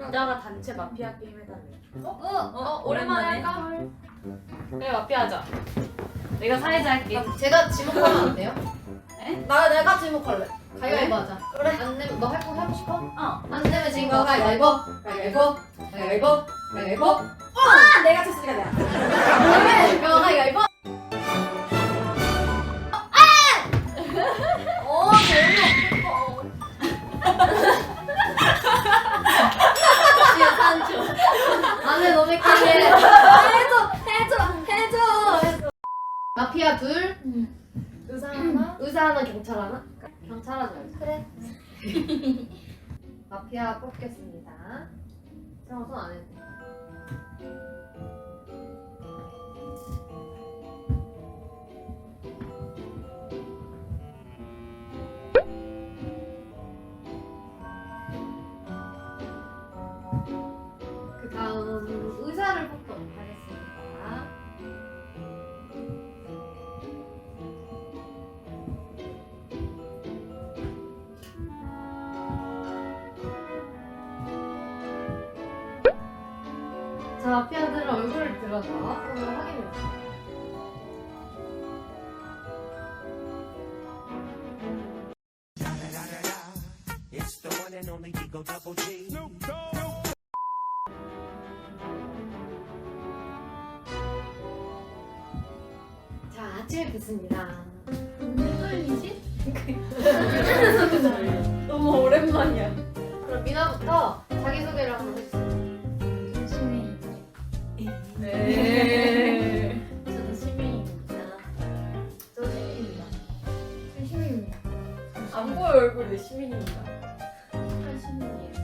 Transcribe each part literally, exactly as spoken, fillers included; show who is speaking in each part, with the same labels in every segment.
Speaker 1: 이따가 단체 마피아 게임 해달래.
Speaker 2: 어? 어? 어? 오랜만에 할까?
Speaker 1: 그래 마피아 하자. 내가 사회자 할게.
Speaker 2: 아, 제가 지목하면 안 돼요?
Speaker 1: 에?
Speaker 2: 나 내가 지목할래. 가위바위보 하자. 그래. 안 되면 너 할거 하고 싶어?
Speaker 1: 어.
Speaker 2: 안 되면 지금 거 가위바위보. 가위바위보. 가위바위보. 가위바위보. 아! 내가 쳤으니까 내가. 그래. 이거 가위바위보. 아! 어, 재미없어. 지금 산초. 안돼 너무 헷갈려. 해줘, 해줘, 해줘, 해줘. 마피아 둘. 의사 하나? 의사 하나, 경찰 하나? 경찰 하자. 그래. 마피아 뽑겠습니다. 잠깐 손안 해도 돼. 그 다음 의사를 뽑도록 하겠습니다. 자, 마피아들은 얼굴을 들어서 손으로 확인해주세요.
Speaker 3: It's the one and only Eagle Double G.
Speaker 2: 자, 아침에 뵙습니다.
Speaker 1: 무슨 소리지? 너무 오랜만이야.
Speaker 2: 그럼 미나부터 자기소개를 한번 해주세요.
Speaker 1: 시민.
Speaker 2: 네.
Speaker 1: 저도 시민입니다.
Speaker 2: 저 시민입니다.
Speaker 1: 저 시민입니다.
Speaker 2: 안 보여 얼굴이 시민입니다.
Speaker 1: 한 시민이에요.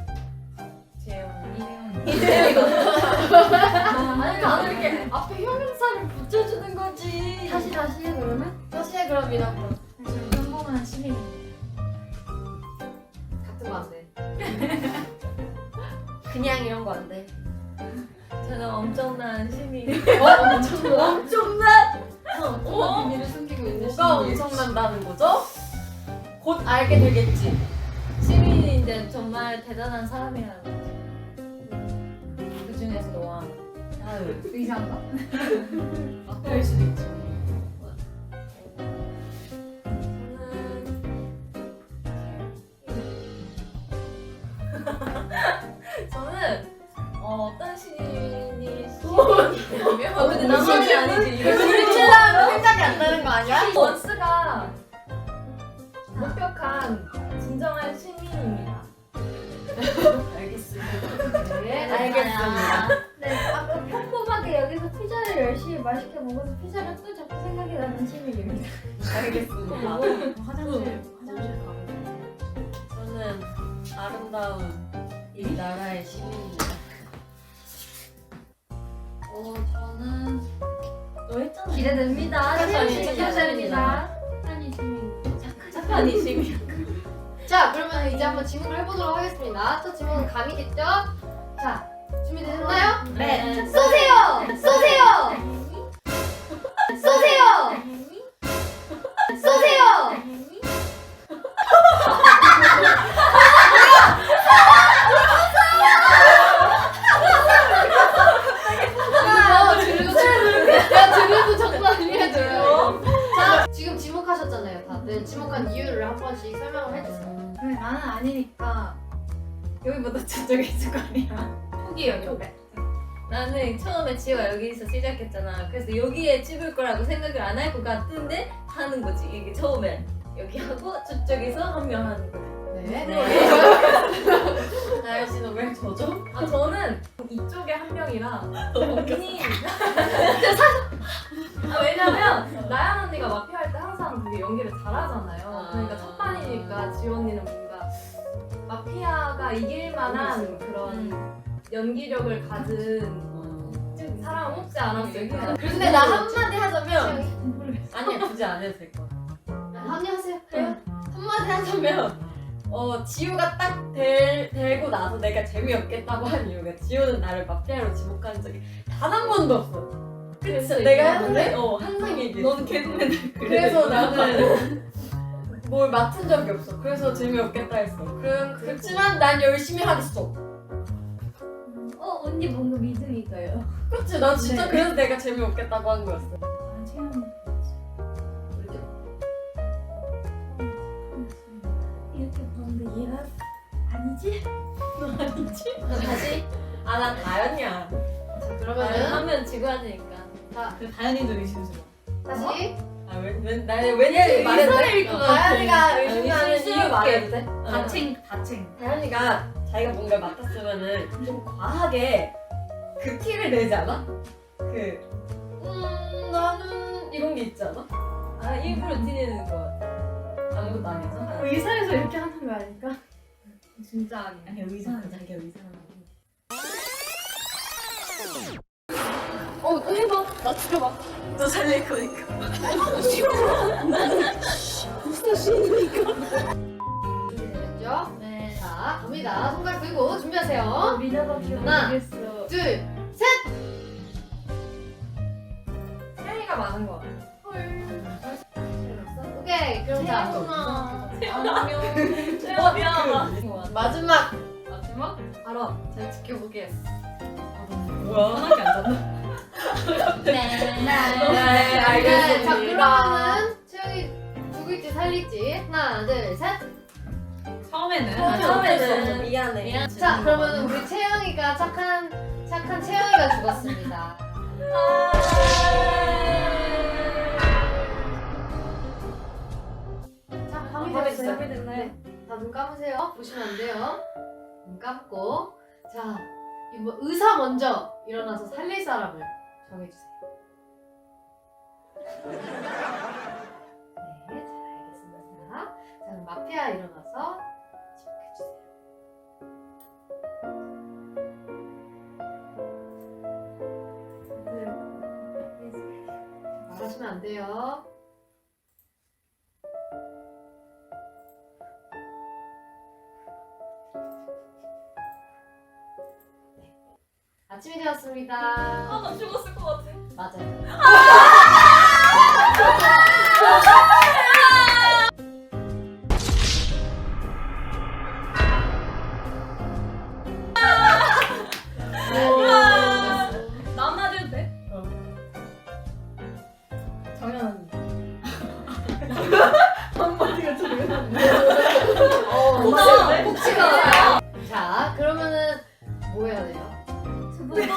Speaker 2: 재영.
Speaker 1: 이재훈.
Speaker 2: 아니 나는 이렇게 앞에 형용사를 붙여주는 거지.
Speaker 1: 다시 다시 해 그러면?
Speaker 2: 다시 해 그럼 미나부터.
Speaker 1: 저는 평범한 시민입니다.
Speaker 2: 같은 거 안 돼. 그냥 이런 거 안 돼.
Speaker 1: 저는 엄청난 시민.
Speaker 2: 어? 엄청난? 엄청난?
Speaker 1: 엄청난 비밀을 숨기고 있는
Speaker 2: 뭐가
Speaker 1: 시민.
Speaker 2: 엄청난다는 거죠? 곧 알게 되겠지.
Speaker 1: 시민인데 정말 대단한 사람이라는 거지. 그 중에서도 왕.
Speaker 2: 아유.
Speaker 1: 의사인가?
Speaker 2: 막대일 수도 있지.
Speaker 1: 저는 어, 어떤 시민이 시민이냐면 어, 근데 나만이 아니지. 이거
Speaker 2: 둘이 칠라면 생각이 안 나는 거 아니야?
Speaker 1: 원스가 목격한 진정한 시민입니다.
Speaker 2: 알겠습니다. 네,
Speaker 1: 알겠습니다.
Speaker 4: 네, 아까 평범하게 여기서 피자를 열심히 맛있게 먹어서 피자가 또 자꾸 생각이 나는 시민입니다.
Speaker 2: 알겠습니다.
Speaker 1: 화장실 화장실 가면
Speaker 2: 저는 아름다운 이 나라의 시민입니다.
Speaker 1: 어 저는 너 했잖아.
Speaker 4: 기대됩니다.
Speaker 1: 착한
Speaker 4: 시민
Speaker 1: 시민,
Speaker 4: 기대됩니다. 착한 시민.
Speaker 1: 착한 이 시민.
Speaker 2: 자, 그러면 이제 한번 질문을 해보도록 하겠습니다. 첫 질문은 감이겠죠? 자, 준비되셨나요?
Speaker 1: 네.
Speaker 2: 쏘세요! 쏘세요! 쏘세요! 쏘세요! 야, 드르도 장난 아니야, 자, 지금 지목하셨잖아요, 다들. 지목한 이유를 한 번씩 설명을 해주세요.
Speaker 4: 그래, 나는 아니니까 여기보다 저쪽에 있을 거 아니야.
Speaker 1: 톡이에요 톡. 나는 처음에 지호가 여기서 시작했잖아. 그래서 여기에 찍을 거라고 생각을 안 할 것 같은데 하는 거지. 이게 처음에 여기 하고 저쪽에서 한 명 하는 거.
Speaker 2: 네.
Speaker 1: 네.
Speaker 2: 나연 씨는 왜 저죠?
Speaker 1: 아 저는 이쪽에 한 명이라 언니. 아 왜냐면 나연 언니가 마피아 할 때 항상 되게 연기를 잘하잖아요. 그러니까 첫 판이니까 지호 언니는 뭔가 마피아가 이길 만한 그런 연기력을 가진 사람을 뽑지 않았을까.
Speaker 2: 근데 나 한마디 하자면
Speaker 1: 아니야 굳이 안 해도 될 것 같아.
Speaker 2: 한마디 하세요. 그래요? 한마디 하자면 어 지우가 딱 될, 되고 나서 내가 재미없겠다고 한 이유가 지우는 나를 마피아로 지목한 적이 단 한 번도 없어. 그래서 내가 했는데 어 항상 얘기해.
Speaker 1: 넌 계속 맨날 그래.
Speaker 2: 그래서 나는 뭘 맡은 적이 없어. 그래서 재미없겠다 했어. 그, 그렇지만 난 열심히 하겠어.
Speaker 4: 어 언니 뭔가 믿음이 가요.
Speaker 2: 그치? 난 진짜
Speaker 4: 네.
Speaker 2: 그래서 내가 재미없겠다고 한 거였어.
Speaker 4: 아 채연이 이렇게 보는데 얘가 아니지?
Speaker 2: 다시? 아, 난 다현이야.
Speaker 1: 자
Speaker 2: 나는
Speaker 1: 그러면은
Speaker 2: 하면 지고 하니까.
Speaker 1: 자
Speaker 5: 그 다현이도 의심스러워.
Speaker 1: 다시
Speaker 2: 아, 왜, 왜, 나 왠지 말해도 돼?
Speaker 1: 것
Speaker 2: 다현이가
Speaker 1: 같아.
Speaker 2: 의심하는 이유 말해도 돼? 어.
Speaker 5: 다챙 다챙.
Speaker 2: 다현이가 자기가 뭔가를 맡았으면은 좀 과하게 그 티를 내지 않아? 그, 음, 나는 이런 게 있지 않아?
Speaker 1: 아 일부러 티내는 것 같아.
Speaker 2: 아무것도 아니죠?
Speaker 4: 의사에서 이렇게 하는 거 아닐까?
Speaker 1: 진짜 아니야.
Speaker 5: 아니 의사는 자기가 의사는
Speaker 1: 어또 해봐. 나 죽여봐.
Speaker 5: 또 살릴 거니까.
Speaker 1: 준비됐죠? 네. 자 갑니다. 손가락 들고 준비하세요.
Speaker 4: 미나밖에
Speaker 1: 하나,
Speaker 4: 모르겠어.
Speaker 1: 둘, 셋. 태양이가 많은 것 같아. 오케이 그럼 자 안녕.
Speaker 5: 어 미안하다.
Speaker 1: 마지막 마지막 알아. 잘 지켜보게.
Speaker 2: 뭐야?
Speaker 5: 편하게 앉았나?
Speaker 1: 네,
Speaker 2: 네, 알겠습니다.
Speaker 1: 자 그러면은 채영이 죽을지 살릴지 하나 둘 셋.
Speaker 5: 처음에는
Speaker 2: 처음에
Speaker 1: 처음에는
Speaker 2: 어땠어? 미안해.
Speaker 5: 미안.
Speaker 1: 자 그러면 우리 채영이가 착한 착한 채영이가 죽었습니다. 자 밤이
Speaker 2: 밤이
Speaker 1: 됐어요.
Speaker 2: 밤이 됐나요?
Speaker 1: 다 눈 감으세요. 보시면 안 돼요. 눈 감고 자 이거 의사 먼저 일어나서 살릴 사람을 정해주세요. 네, 잘 알겠습니다. 자 그럼 마피아 일어나서 지목해주세요. 말하시면 안 돼요. 아침이 되었습니다.
Speaker 5: 아나 죽었을 것 같아.
Speaker 1: 맞아요.
Speaker 5: 나 한마디 해도 돼?
Speaker 2: 정연 언니.
Speaker 1: 어,
Speaker 5: 고마워.
Speaker 1: 복지가. 자, 그러면은 뭐 해야 돼요?
Speaker 4: 두 번째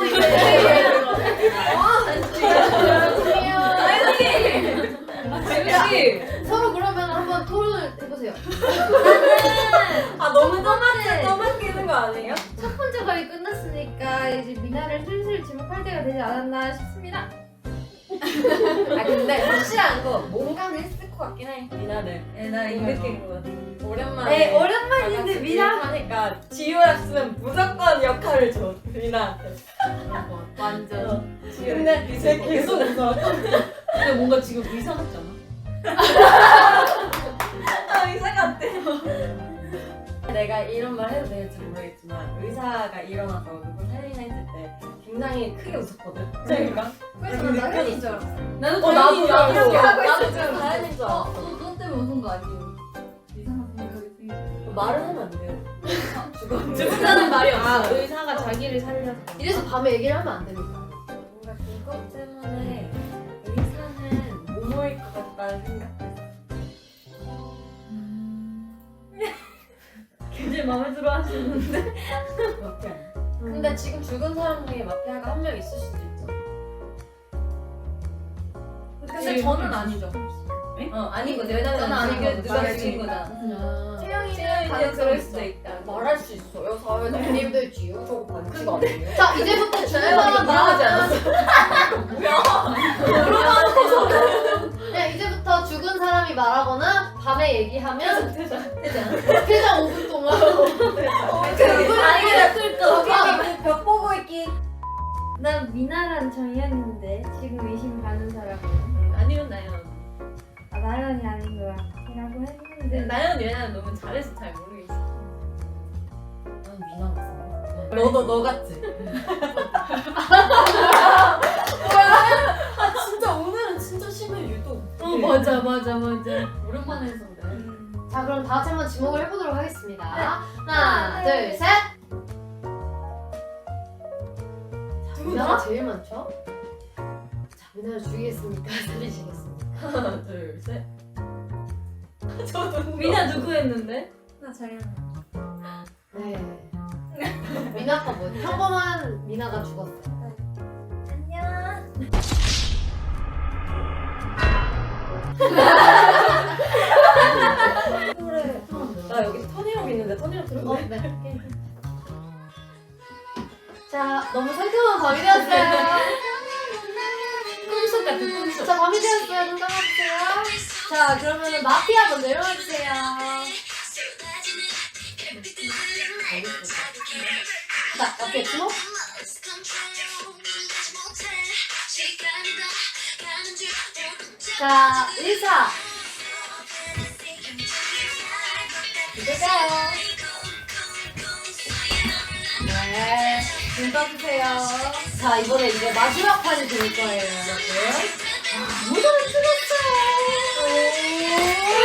Speaker 1: 재밌지? 서로 그러면 한번 토론을 해보세요.
Speaker 2: 아, 너무 떠맡게, 떠맡기는 거 아니에요?
Speaker 4: 첫 번째 발이 끝났으니까 이제 미나를 슬슬 지목할 때가 되지 않았나 싶습니다.
Speaker 2: 아, 근데 확실한 거 뭔가는 했을 것 같긴 해. 미나를.
Speaker 5: 네, 나이 느낀 것 같아.
Speaker 2: 오랜만에.
Speaker 4: 네 오랜만인데 미나
Speaker 2: 하니까 지효였으면 무조건 역할을 줘. 미나한테.
Speaker 1: 완전.
Speaker 2: 근데 쟤 계속 웃어.
Speaker 5: 근데 뭔가 지금 의사 같지 않아?
Speaker 2: 아, 의사 같아. 내가 이런 말 해도 될지 모르겠지만 의사가 일어나서 누굴 살리나 했을 때 굉장히 크게 웃었거든. 제가.
Speaker 1: 그래서 난 당연히 줄 알았어.
Speaker 5: 나는
Speaker 2: 어, 나도
Speaker 5: 다행이야.
Speaker 2: 이렇게 하고
Speaker 5: 나도
Speaker 2: 있을 줄
Speaker 5: 지금
Speaker 2: 다행인 줄 알았어.
Speaker 5: 너 때문에 웃은 거 아니에요? 이상한 생각이 들고.
Speaker 2: 말을 하면 안 돼요. 죽었는데.
Speaker 5: 죽는다는 말이
Speaker 2: 아,
Speaker 5: 없어.
Speaker 2: 의사가 자기를 살려서.
Speaker 1: 이래서 밤에 얘기를 하면 안 됩니다.
Speaker 2: 뭔가 그것 때문에 의사는 모모일 것 같다는 생각.
Speaker 4: 굉장히 마음에 들어 하시는데
Speaker 2: 마피아. 근데 지금 죽은 사람 중에 마피아가 한 명 있을 수도 있죠.
Speaker 1: 근데 저는 아니죠.
Speaker 2: 어, 아닌 거지. 왜냐면
Speaker 1: 저는 아닌
Speaker 2: 지금
Speaker 1: 거죠.
Speaker 2: 누가
Speaker 1: 말할
Speaker 2: 죽인
Speaker 1: 수
Speaker 2: 거잖아.
Speaker 1: 채영이는
Speaker 2: 채영이는
Speaker 1: 가능성이
Speaker 2: 그럴
Speaker 1: 있어.
Speaker 2: 수도 있다. 말할 수 있어요. 사회는 아님들 지우. 저거 반칙 아니에요?
Speaker 1: 자 이제부터 죽은 사람
Speaker 2: 말하지
Speaker 1: 말하면
Speaker 2: 않았어.
Speaker 1: 그냥 이제부터 죽은 사람이 말하거나 밤에 얘기하면
Speaker 2: 퇴장.
Speaker 1: 퇴장 오 분 동안
Speaker 2: 아니, 저기 벽 보고 있기.
Speaker 4: 난 미나랑 정연인데 지금 의심 가는 사람은
Speaker 5: 아니면 나연.
Speaker 4: 아 나연이 아닌 것 같기라고 했는데
Speaker 5: 나연 얘는 너무 잘해서 잘 모르겠어.
Speaker 2: 난 미나 같아. 너도 너 같지? 아 진짜 오늘은 진짜 심해 유독.
Speaker 5: 어 맞아 맞아 맞아. 오랜만에 해서 그래.
Speaker 4: 음,
Speaker 1: 자 그럼 다 같이 한번 지목을 해보도록 하겠습니다.
Speaker 4: 네.
Speaker 1: 하나, 둘, 셋.
Speaker 2: 미나가 제일 많죠? 자, 미나를 죽이겠습니까? 살리시겠습니까? 하나, 둘, 셋. 저도
Speaker 1: 미나 누구 했는데?
Speaker 5: 나 정연아.
Speaker 2: 네. 미나가 뭐 평범한 미나가 죽었어요.
Speaker 4: 안녕.
Speaker 2: 그래. 나 여기 턴이럽 있는데 턴이럽 들어볼래?
Speaker 4: 네.
Speaker 2: 자, 너무 상큼한 밤이 되었어요.
Speaker 1: 꿈속 같은 꿈속.
Speaker 2: 자, 밤이 되었어요. 눈 감아주세요. 자, 그러면은 마피아 먼저 일어나주세요. 자, 마피아 주목. 자, 의사. 누굴까요? 네, 눈 떠주세요. 자, 이번에 이제 마지막 판이 될 거예요, 여러분. 아, 무덤을 틀었어요.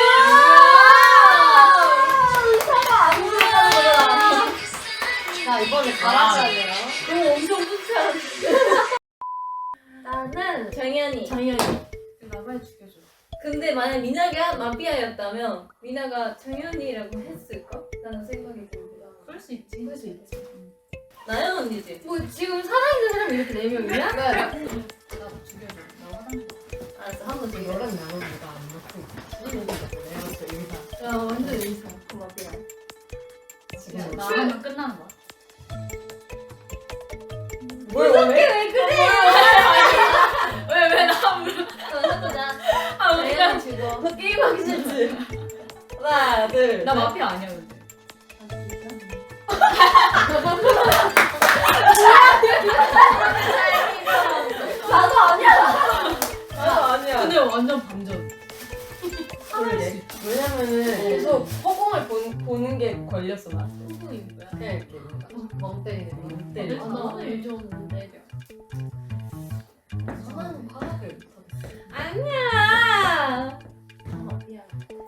Speaker 2: 의사가 안 보여요. 자, 이번에 가라앉아요.
Speaker 1: 오 엄청 쫓아야
Speaker 2: 나는
Speaker 1: 정연이.
Speaker 2: 정연이.
Speaker 5: 나발 죽여줘.
Speaker 1: 근데 만약 미나가 마피아였다면 미나가 정연이라고 했을까? 라는 생각이 듭니다.
Speaker 5: 그럴 수 있지.
Speaker 2: 그럴 수 있지.
Speaker 1: 나연 언니지?
Speaker 2: 뭐 지금 살아있는 사람이 이렇게 네 명이야? 네.
Speaker 5: 나도 죽여줘. 나 화장실.
Speaker 2: 알았어, 한번 지금 여러 명 남은 누가 안 먹고 죽는 거 같아. 내가 봤을 때 의사.
Speaker 1: 야 완전 의사. 그 마피아.
Speaker 2: 지금
Speaker 5: 나 하면 끝나는 거야.
Speaker 2: 뭘 원해?
Speaker 1: 왜 그래? 왜왜나 물어?
Speaker 2: 해보자.
Speaker 1: 아
Speaker 2: 내가 죽어. 너 게임하기 싫지? 하나, 둘.
Speaker 5: 나
Speaker 2: 셋.
Speaker 5: 마피아 아니야 근데.
Speaker 2: 나도 아니야. 나도 아니야.
Speaker 5: 근데 완전 반전.
Speaker 2: 그러게. 왜냐면은 계속 허공을 본, 보는 게 걸렸어 나.
Speaker 1: 누구인 거야?
Speaker 2: 그냥 이렇게 뭔가 멍 때리는 거. 멍 때리는
Speaker 1: 아,
Speaker 2: 거.
Speaker 1: 나는 요즘 내려.
Speaker 2: 저는 화학을 못하겠어.
Speaker 1: 아니야.
Speaker 2: 마피아.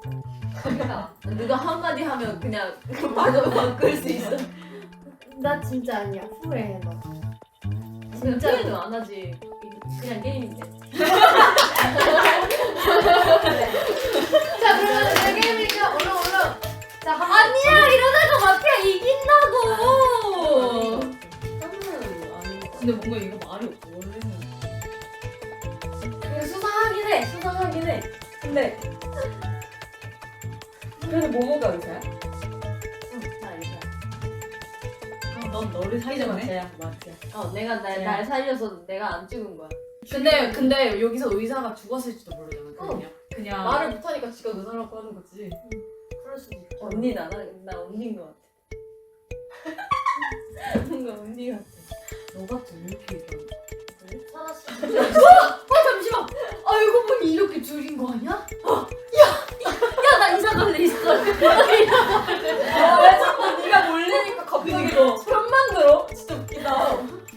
Speaker 1: 누가 한마디 하면 그냥 말로 바꿀 수 있어.
Speaker 4: 나 진짜 아니야. 후회해 너.
Speaker 1: 진짜 게임은 안 하지. 그냥 게임인데.
Speaker 2: 자, 그러면 내 게임이니까 얼른 얼른. 자, 한
Speaker 1: 아니야 이러다가 마피아 이긴다고.
Speaker 2: 번은 아니고.
Speaker 5: 근데 뭔가 이거 말이 없어. 원래는.
Speaker 2: 근데 수상하긴 해. 수상하긴 해. 근데 그래도 모모가 의사야? 응, 나 의사야.
Speaker 5: 그럼 넌 너를 살려네.
Speaker 2: 맞아요, 맞아요.
Speaker 1: 어 내가 날,
Speaker 2: 네.
Speaker 1: 날 살려서 내가 안 죽은 거야.
Speaker 5: 근데 근데 여기서 의사가 죽었을지도 모르잖아. 그냥 그냥
Speaker 2: 말을 못하니까 지가 의사라고 하는 거지.
Speaker 1: 그럴 수도 있어. 언니 나나 나 언니인 것 같아. 뭔가 언니 같아.
Speaker 5: 너 같은 이렇게 얘기하는 거.
Speaker 2: 사나 씨.
Speaker 1: 어 잠시만. 알고 보니 이렇게 줄인 거 아니야? 야야나 이사 갈래 있어.
Speaker 2: 아, 왜 자꾸 네가 몰리니까 갑자기 편만 들어? 진짜 웃기다.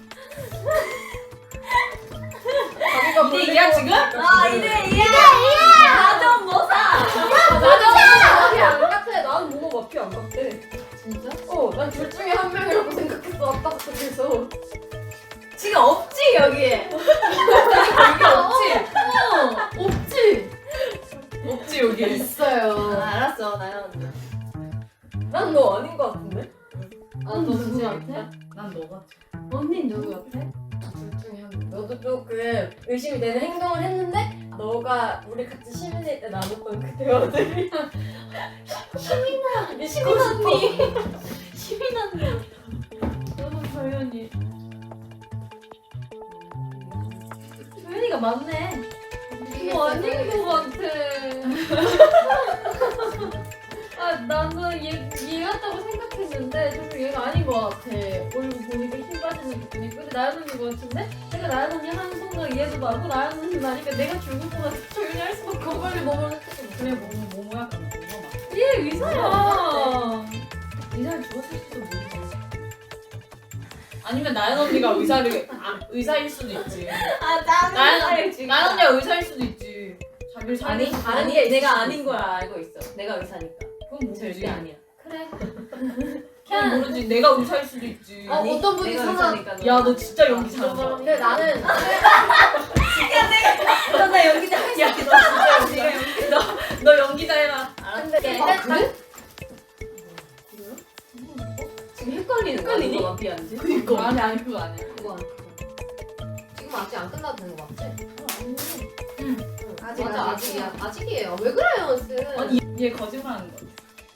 Speaker 2: 자기가
Speaker 5: 이대 이야 지금?
Speaker 1: 아 이래 이래 이래. 나좀 뭐사.
Speaker 2: 마피아 안 같아. 나는 모모 마피아 안 같아.
Speaker 1: 진짜?
Speaker 2: 어, 난 둘 중에 한 명이라고 생각했어. 아까 계속.
Speaker 1: 지금 없지 여기에.
Speaker 2: 이게 없지?
Speaker 1: 어 없지.
Speaker 5: 없지 여기.
Speaker 2: 있어요.
Speaker 1: 아, 알았어 나연 언니.
Speaker 2: 난 너 아닌 것 같은데?
Speaker 1: 아, 너 누구 같아?
Speaker 5: 난 너 같아.
Speaker 1: 언니 누구 같아?
Speaker 2: 둘 중에 한 명. 너도 조금 의심이 되는 행동을 했는데 너가 우리 같이 시민일 때 나눴던 그 대화들이 시민아! 시민 언니!
Speaker 1: 시민 언니. 너도 조연이. 조연이가 맞네. 이거 아닌 것 같아. 아 나는 얘, 얘 같다고 생각했는데 정말 얘가 아닌 것 같아. 얼굴 보니까 힘 빠지는 느낌이. 근데 나연 언니 것 같은데? 내가 나연 언니 하는 순간 얘도 맞고 나연 언니 나니까 내가 죽을 것 같아. 조연이 할 수밖에 없어.
Speaker 2: 빨리 먹으러 했지.
Speaker 5: 그래 모모 모모야 그럼 모모 맞아.
Speaker 1: 얘 의사야.
Speaker 5: 의사를 죽었을지도 모르지. 아니면 나연 언니가 의사를 아, 의사일 수도 있지.
Speaker 1: 아 짜증나.
Speaker 5: 나연 나연 언니가 의사일 수도 있지. 자기를
Speaker 1: 아니
Speaker 5: 살릴 수도
Speaker 1: 아니
Speaker 5: 있을
Speaker 1: 내가
Speaker 5: 수도
Speaker 1: 아닌
Speaker 5: 있어.
Speaker 1: 걸 알고 있어. 내가 의사니까.
Speaker 5: 그건
Speaker 1: 절대
Speaker 5: 모르지.
Speaker 1: 아니야. 그래.
Speaker 5: 그건 모르지. 내가 의사일 수도 있지.
Speaker 2: 어, 어떤 분이
Speaker 1: 내가
Speaker 2: 선언.
Speaker 1: 의사니까
Speaker 5: 야, 너 진짜 연기 잘한다.
Speaker 2: 근데 나는
Speaker 5: 나 연기자 할 수 있어. 너 진짜 연기자. 너, 너 연기자 해라.
Speaker 2: 근데
Speaker 1: 아,
Speaker 2: 그래?
Speaker 1: 지금 헷갈리는
Speaker 5: 헷갈리니?
Speaker 1: 거야. 마피아인지?
Speaker 5: 그니까. 아니, 아니, 그거 아니야.
Speaker 1: 그거 아니야. 지금 아직 안 끝나도 되는 거 맞지?
Speaker 2: 아직
Speaker 1: 맞아,
Speaker 2: 아직.
Speaker 1: 아직이야. 아직이에요. 왜 그래요, 쌤?
Speaker 5: 아니, 얘 거짓말 하는 거야.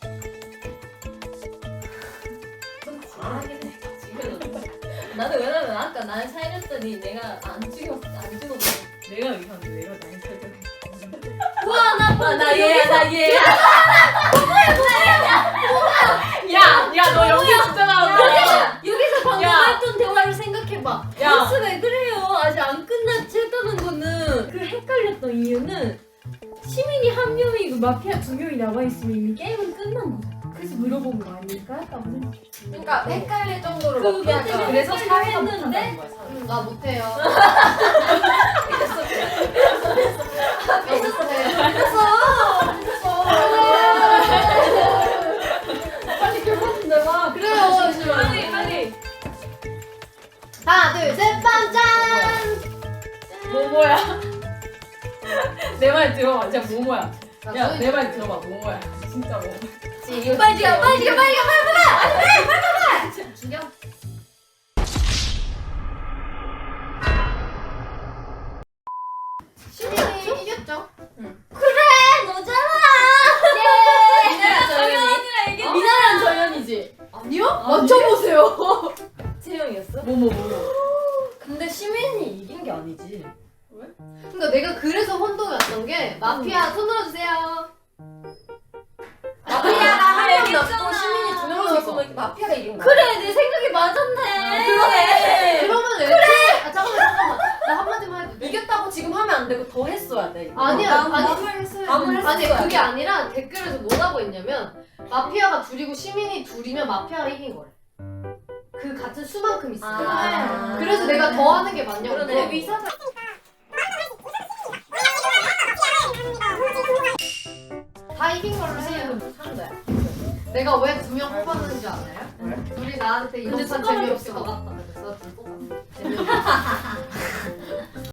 Speaker 1: 잘하긴 해. 지금. 나는 왜냐면 아까 날 살렸더니 내가 안 죽였어. 안 죽었어.
Speaker 5: 내가 의사인데 내가 나이 살때.
Speaker 1: 와, 나, 나 얘야, 나 얘야.
Speaker 5: 야, 야, 너 연기 진짜 잘한다.
Speaker 1: 여기서 방금
Speaker 5: 야.
Speaker 1: 했던 대화를 생각해봐.
Speaker 5: 야.
Speaker 1: 버스 왜 그래요? 아직 안 끝났지 했다는 거는 그 헷갈렸던 이유는 시민이 한 명이고 마피아 두 명이 남아있으면 이미 게임은 끝난 거잖아. 그래서 물어본 거 아닐까? 라고 생각해.
Speaker 2: 그러니까 헷갈릴 정도로
Speaker 1: 그거
Speaker 2: 마피아가
Speaker 1: 때문에
Speaker 5: 그래서 사회가
Speaker 1: 했는데?
Speaker 5: 못한다는 거야, 사회.
Speaker 2: 나 못해요.
Speaker 1: 빨리 결혼 내봐.
Speaker 2: 그래요.
Speaker 1: 빨리, 빨리.
Speaker 2: 하나, 둘, 셋, 빰, 짠!
Speaker 5: 모모야. 내 말 들어봐. 진짜 모모야. 야,
Speaker 2: 야,
Speaker 5: 내 말 들어봐. 모모야. 진짜 모모.
Speaker 2: 이거
Speaker 1: 빨리 가, 빨리 가, 빨리 가, 빨리 가.
Speaker 2: 죽여. 시민이 이겼죠?
Speaker 1: 너잖아.
Speaker 2: 미나랑
Speaker 1: 정연이.
Speaker 2: 이게 미나랑 정연이지? 아니요? 맞춰보세요.
Speaker 1: 채영이었어?
Speaker 5: 모모, 모모.
Speaker 2: 근데 시민이 이긴 게 아니지.
Speaker 5: 왜?
Speaker 2: 그러니까 내가 그래서 혼동이 왔던 게 마피아 손 들어주세요. 마피아가 한 명 남고 시민이 두 명씩 있으면 마피아가 이긴 거야.
Speaker 1: 그래, 내 생각이 맞았네.
Speaker 2: 그러네. 그러면 왜? 그래. 아 잠깐만 잠깐만. 나 한마디만 해도 돼. 이겼다고 지금 하면 안 되고 더 했어야 돼. 이거.
Speaker 1: 아니야,
Speaker 2: 남-
Speaker 1: 아니,
Speaker 2: 남을 했어야
Speaker 1: 남을
Speaker 2: 돼.
Speaker 1: 했어야
Speaker 2: 아니
Speaker 1: 돼.
Speaker 2: 그게 아니라 댓글에서 뭐라고 했냐면 마피아가 둘이고 시민이 둘이면 마피아가 이긴 거래. 그 같은 수만큼 있으니까.
Speaker 1: 아.
Speaker 2: 그래서 내가 더 하는 게 맞냐고.
Speaker 1: 그러네.
Speaker 2: 물어본 거야. 다 이긴 걸로 해요.
Speaker 1: 하는 거야.
Speaker 2: 내가 왜 두 명 뽑았는지 알아요? 왜? 둘이 나한테 이번
Speaker 1: 근데
Speaker 2: 판
Speaker 1: 숟가락이
Speaker 2: 재미없을
Speaker 1: 없을
Speaker 2: 것
Speaker 1: 것
Speaker 2: 같다. 그래서 둘 뽑았어. 재미없어.